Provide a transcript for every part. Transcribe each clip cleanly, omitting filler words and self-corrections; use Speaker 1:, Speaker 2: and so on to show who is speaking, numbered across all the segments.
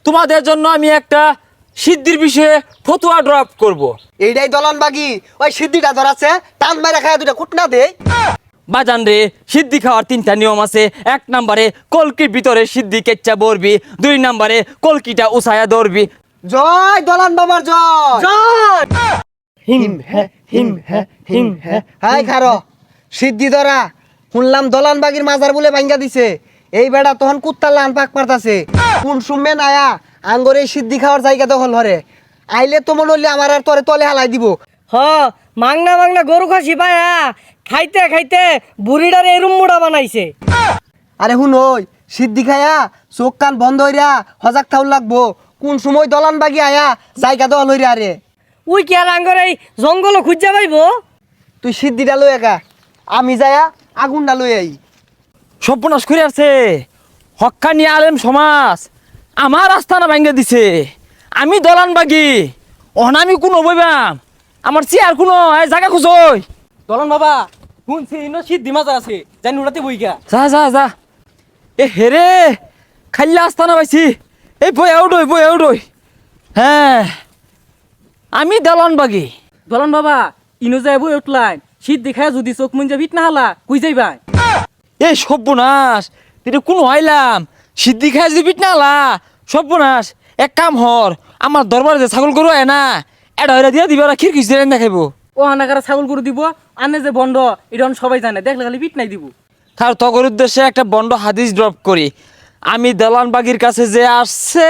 Speaker 1: তোমাদের জন্য আমি একটা সিদ্ধির বিষয়ে ফতুয়া ড্রপ করব।
Speaker 2: এইটাই দলন বাগি ওই সিদ্ধিটা ধরাছে টান মারা খায় দুটা কুটনা দে।
Speaker 1: বাজান রে, সিদ্ধি খাওয়ার 3টা নিয়ম আছে। 1 নম্বরে কলকির ভিতরে সিদ্ধি কেচ্চা বরবি, 2 নম্বরে কলকিটা উসায়া ধরবি।
Speaker 2: জয় দলন বাবার জয়
Speaker 1: জয় হিম হে হিম হে হিম হে।
Speaker 2: হাই খারো সিদ্ধি ধরা শুনলাম দলান বাগির মাজার বলে ভাঙ্গা দিছে। এই বেড়া তখন কুত্তার লান পাক মারতাছে কোন সুমে নায়া আঙ্গরে সিদ্ধি খাওয়ার জায়গা দখল হরে আইলে তো মনে হইলে আমার আর তোরে তলে হালাই দিব।
Speaker 3: হ মাংনা মাংনা গরু খাসি পায়া খাইতে খাইতে বুড়িটার এরুম মুড়া বানাইছে।
Speaker 2: আরে শুন ওই সিদ্ধি খায়া চোখ কান বন্ধ হইরা হজাক থাউল লাগবো কোন সময় দলান বাগি আয়া জায়গা দখল হইরা আরে
Speaker 3: উই কি আর আঙ্গর এই জঙ্গল খুঁজা পাইব?
Speaker 2: তুই সিদ্ধিটা লই একা আমি যায়া আগুনটা লই আই।
Speaker 1: সর্বনাশ করে আছে হক্কানি আলেম সমাজ আমার আস্থানা ভাঙ্গে দিছে। আমি দলান বাগি অনামি কোনো বইবাম আমার চেয়ার কোনো জায়গা খুঁজই।
Speaker 4: দলন বাবা শুনছি ইনো সিদ্ধি মাজার আছে জানি উড়াতে বইগা।
Speaker 1: যা যা যা এ হেরে খাইলা আস্থানা পাইছি। এই বই আউডই হ্যাঁ আমি দলান বাগি।
Speaker 4: দলন বাবা ইনো যাই বই উঠলাই সিদ্ধি খায় যদি চোখ মুঞ্জা ভিট না হালা কুই যাইবা?
Speaker 1: এই সর্বনাশ তুই কোনো আইলাম সিদ্ধি খাই যদি পিট নালা সর্বনাশ। এক কাম হর আমার দরবারে যে ছাগল গরু আয় না এটা হইরা দিয়া দিবা খিরকিস দিয়ে দেখাইব।
Speaker 4: ও হানাকারা ছাগল গরু দিব আনে যে বন্ধ এটা সবাই জানে দেখলে খালি পিট নাই দিব।
Speaker 1: তার তগর উদ্দেশ্যে একটা বন্ড হাদিস ড্রপ করি। আমি দালান বাগির কাছে যে আসছে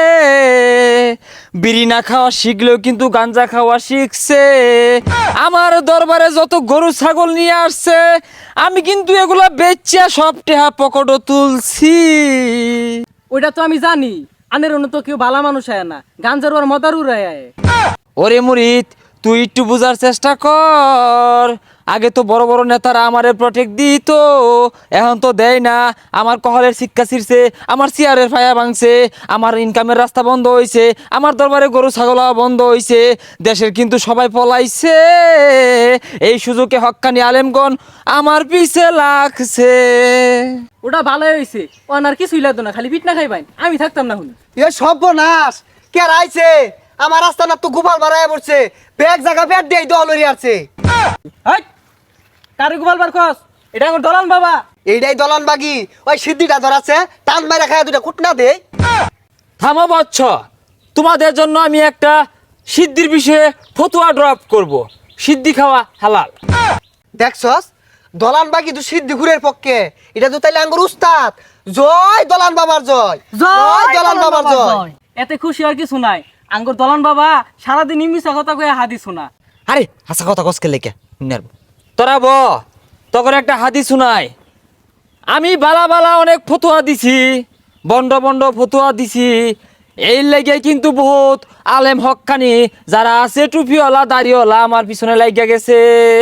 Speaker 1: বিড়ি না খাওয়া শিখলেও কিন্তু গাঞ্জা খাওয়া শিখছে। আমার দরবারে যত গরু ছাগল নিয়ে আসছে আমি কিন্তু এগুলা বেচা সব টেহা পকেটও তুলছি।
Speaker 4: ওইটা তো আমি জানি আনের অন্য তো কেউ ভালো মানুষ আয় না গাঞ্জার ওর মদার উড়ায় আয়।
Speaker 1: ওরে মুরিদ তুই একটু বুঝার চেষ্টা কর। আগে তো বড় বড় নেতারা আমারে প্রটেক্ট দিত, এখন তো দেয় না। আমার কহলের শিক্ষা ছিঁড়ছে, আমার চেয়ারের ফায়া ভাঙছে, আমার ইনকামের রাস্তা বন্ধ হয়েছে, আমার দরবারে গরু ছাগল বন্ধ হয়েছে। দেশের কিন্তু সবাই পলাইছে। এই সুযোগে হক্কানি আলেমগণ আমার পিছে লাগছে।
Speaker 4: ওটা ভালোই হয়েছে ও আর কিছুই লাগতো না খালি পিট না খাইবাই আমি থাকতাম না শুনি।
Speaker 2: এ সর্বনাশ কে রাইছে আমার রাস্তা না তো গোপাল বাড়ায় পড়ছে ব্যাগ জায়গা ব্যাগ দিয়ে দল হইরা আছে।
Speaker 4: হাই কারে গোপাল বার খস এটা আমার দলান বাবা।
Speaker 2: এইটাই দলন বাগি ওই সিদ্ধিটা ধরাছে টান মারা খায় দুটা কুটনা দে।
Speaker 1: থামো বচ্চ, তোমাদের জন্য আমি একটা সিদ্ধির বিষয়ে ফতুয়া ড্রপ করব। সিদ্ধি খাওয়া হালাল।
Speaker 2: দেখছস দলান বাগি তো সিদ্ধি ঘুরের পক্ষে এটা তো তাইলে আঙ্গুর উস্তাদ। জয় দলান বাবার জয় জয় দলান বাবার জয়।
Speaker 4: এতে খুশি আর কিছু নাই আঙ্গুর দলান বাবা সারাদিন মিশা কথা কয়ে হাদি শোনা।
Speaker 1: আরে হাসা কথা কসকে লেখা তোরা ব তখন একটা হাদিস শুনাই। আমি বালা বালা অনেক ফতুয়া দিছি, বন্ড বন্ড ফতুয়া দিছি। এই লেগে কিন্তু বহুত আলেম হক্কানি যারা আছে টুপিওয়ালা দাড়িওয়ালা আমার পিছনে লাগিয়া গেছে।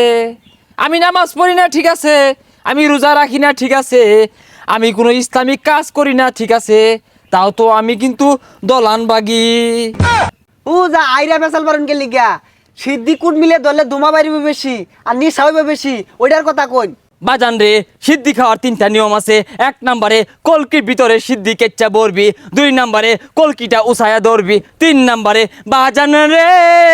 Speaker 1: আমি নামাজ পড়ি না ঠিক আছে, আমি রোজা রাখি না ঠিক আছে, আমি কোনো ইসলামিক কাজ করি না ঠিক আছে, তাও তো আমি কিন্তু দলান বাগি।
Speaker 2: ও যা আইরা বেসাল পারেন কে লিগা সিদ্ধি কুট মিলে ধরলে ধুমা বাড়িবে বেশি আর নিশা হইবে বেশি ওইটার কথা কই।
Speaker 1: বাজান রে, সিদ্ধি খাওয়ার 3টা নিয়ম আছে। 1 নম্বরে কলকির ভিতরে সিদ্ধি কেচ্চা বরবি, 2 নম্বরে কলকিটা উসায়া ধরবি, 3 নম্বরে বাজান রে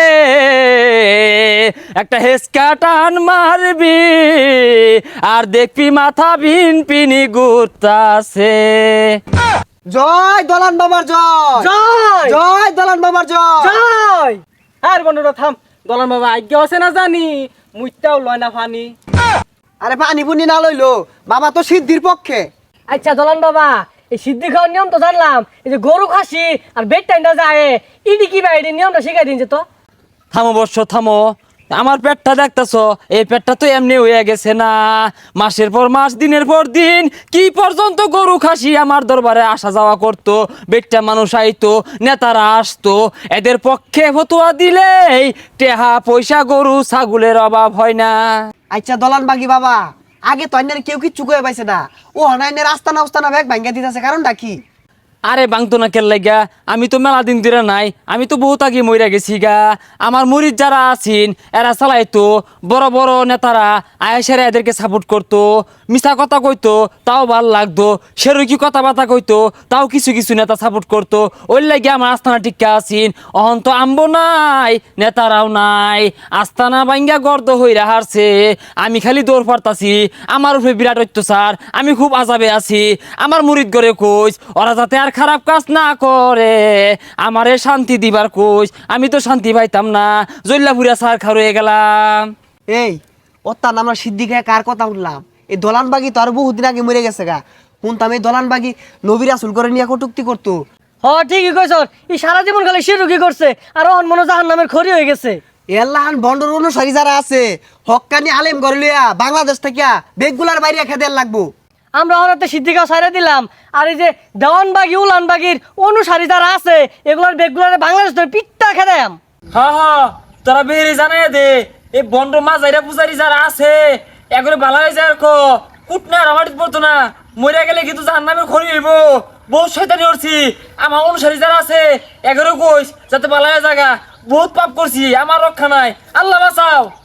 Speaker 1: একটা হেসকা টান মারবি আর দেখবি মাথা ভিন পিনি ঘুরতাছে।
Speaker 2: জয় দলান বাবার জয়
Speaker 3: জয়
Speaker 2: জয় দলান বাবার জয়।
Speaker 3: জয়
Speaker 4: আর বন্ধুরা থাম দলান বাবা আজ্ঞা আছে না জানি মুইটাও লয় না ফানি।
Speaker 2: আরে পানি পুনি না লইলো বাবা তো সিদ্ধির পক্ষে।
Speaker 3: আচ্ছা দলান বাবা এই সিদ্ধি খাওয়ার নিয়ম তো জানলাম, এই যে গরু খাসি আর বেড টাইমটা যায় ইডি কি ভাই এই নিয়মটা শিখাই দিন যে তো।
Speaker 1: থামো বর্ষ থামো, আমার পেটটা দেখতেছ, এই পেটটা তো এমনি হয়ে গেছে না। মাসের পর মাস দিনের পর দিন কি পর্যন্ত গরু খাসি আমার দরবারে আসা যাওয়া করতো, বেটটা মানুষ আইতো, নেতারা আসতো। এদের পক্ষে ফতুয়া দিলেই টেহা পয়সা গরু ছাগলের অভাব হয় না।
Speaker 2: আচ্ছা দলান বাগি বাবা আগে তো অন্যের কেউ কিচ্ছু কয়ে পাইছে না ও হনাইনের আস্তানা উস্তানা ব্যাগ ভাঙ্গা দিতেছে কারণটা কি?
Speaker 1: আরে বাংতো না কেল লাগা, আমি তো মেলা দিন ধরে নাই, আমি তো বহুত আগে মইরা গেছি গা। আমার মুরিদ যারা আছেন এরা চালাইতো, বড় বড় নেতারা আয়েসারে এদেরকে সাপোর্ট করতো, মিছা কথা কইতো তাও ভাল লাগতো, সেরকি কথাবার্তা কইতো তাও কিছু কিছু নেতা সাপোর্ট করতো। ওই লাগে আমার আস্থানা টিকা আছেন। অহন তো আম্বো নাই, নেতারাও নাই, আস্থানা বাইঙ্গা গর্দ হইরা হারছে। আমি খালি দৌড় পারতাছি, আমার উপরে বিরাট অত্যাচার, আমি খুব আজাবে আছি। আমার মুরিদ করে কইস ওরা যাতে আর খারাপ কাজ না করে, আমারে শান্তি দিবার কইস। আমি তো শান্তি পাইতাম না, জল্লাপুরিয়া সার খা রয়ে গেলাম।
Speaker 2: এই ওত্তান আমরা সিদ্দিকায় কার কথা উঠলাম? এই দলানবাগি তো আর বহুদিন আগে মরে গেছে গা। শুনতাম এই দলানবাগি নবী রাসূল করে নিয়ে কটুক্তি করতো।
Speaker 3: হ ঠিকই কইছ, এই সারা জীবন খালি শিরুকি করছে আর অহন মনে জাহান নামের খড়ি হয়ে গেছে।
Speaker 2: এল্লাহান বন্ডর অনুসারী যারা আছে হক্কানি আলেম করে লইয়া বাংলাদেশ থেকে বেগগুলার বাইরে খেদেল লাগবো।
Speaker 3: আমরা হরাতে সিদ্দিকা সাইরা দিলাম, আর এই যে দেওয়ানবাগি উলানবাগির অনুসারী যারা আছে এগুলার বেগগুলারে বাংলাদেশ ধরে পিঠটা খেদাম।
Speaker 1: হ্যাঁ হ্যাঁ, তোরা বেরিয়ে জানাই দে, এই বন্ড মাজাইরা পূজারি যারা আছে এগুলো ভালো হয়ে যায়। কুটনা আমার পড়তো না, মরে গেলে কিন্তু জাহান নামে খড়ি হইব। বহুত শয়তানি করছি, আমার অনুসারী যারা আছে এগারো কইস যাতে ভালো হয়ে জায়গা। বহুত পাপ করছি, আমার রক্ষা নাই, আল্লাহ বাঁচাও।